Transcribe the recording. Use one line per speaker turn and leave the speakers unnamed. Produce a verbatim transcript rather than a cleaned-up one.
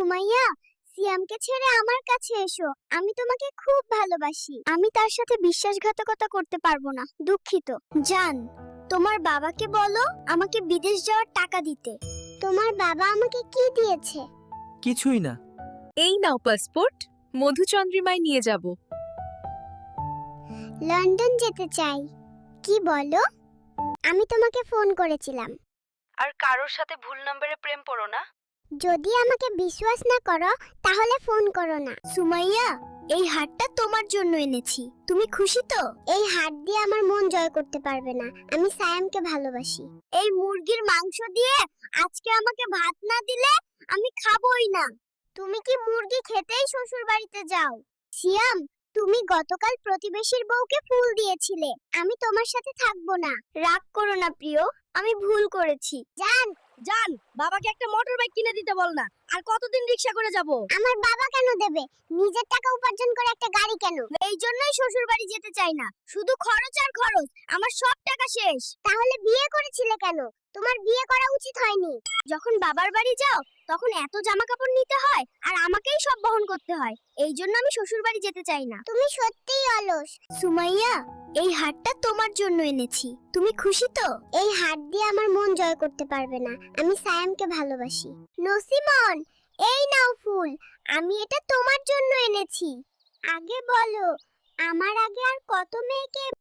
সুমাইয়া, সিয়ামকে ছেড়ে আমার কাছে এসো। আমি তোমাকে খুব ভালোবাসি। আমি তার সাথে বিশ্বাসঘাতকতা করতে পারবো না। দুঃখিত। জান, তোমার বাবাকে বলো আমাকে বিদেশ যাওয়ার টাকা দিতে। তোমার বাবা আমাকে কি দিয়েছে?
কিছুই না।
এই নাও পাসপোর্ট, মধুচন্দ্রিমায় নিয়ে যাব।
লন্ডন যেতে চাই। কি বলো? আমি তোমাকে ফোন করেছিলাম।
আর কারোর সাথে ভুল নম্বরে প্রেম পড়ো না।
যদি আমাকে বিশ্বাস না করো তাহলে ফোন করো না। সুমাইয়া, এই হারটা তোমার জন্য এনেছি। তুমি খুশি তো? এই হার দিয়ে আমার মন জয় করতে পারবে না। আমি সায়ামকে ভালোবাসি। এই মুরগির মাংস দিয়ে আজকে আমাকে ভাত না দিলে আমি খাবোই না। তুমি কি মুরগি খেতেই শ্বশুর বাড়িতে যাও? সিয়াম, তুমি গতকাল প্রতিবেশীর বউকে ফুল দিয়েছিলে। আমি তোমার সাথে থাকবো না। রাগ করো না প্রিয়, আমি ভুল করেছি। জান,
জান, বাবাকে একটা মোটর বাইক কিনে দিতে বল না। আর কতদিন রিকশা করে যাব?
আমার বাবা কেন দেবে? নিজের টাকা উপার্জন করে একটা গাড়ি কেন? এই জন্যই শ্বশুর বাড়ি যেতে চাই না। শুধু খরচ আর খরচ, আমার সব টাকা শেষ। তাহলে বিয়ে করেছিলে কেন? তোমার বিয়ে করা উচিত হয়নি। যখন বাবার বাড়ি যাও তখন এত জামা কাপড় নিতে হয় আর আমাকেই সব বহন করতে হয়। এই জন্য আমি শ্বশুর বাড়ি যেতে চাই না। তুমি সত্যিই অলস। সুমাইয়া, এই হারটা তোমার জন্য এনেছি। তুমি খুশি তো? এই হার দিয়ে আমার মন জয় করতে পারবে না। আমি সায়ামকে ভালোবাসি। নসিমন, এই নাও ফুল। আমি এটা তোমার জন্য এনেছি। আগে বলো, আমার আগে আর কত মেয়েকে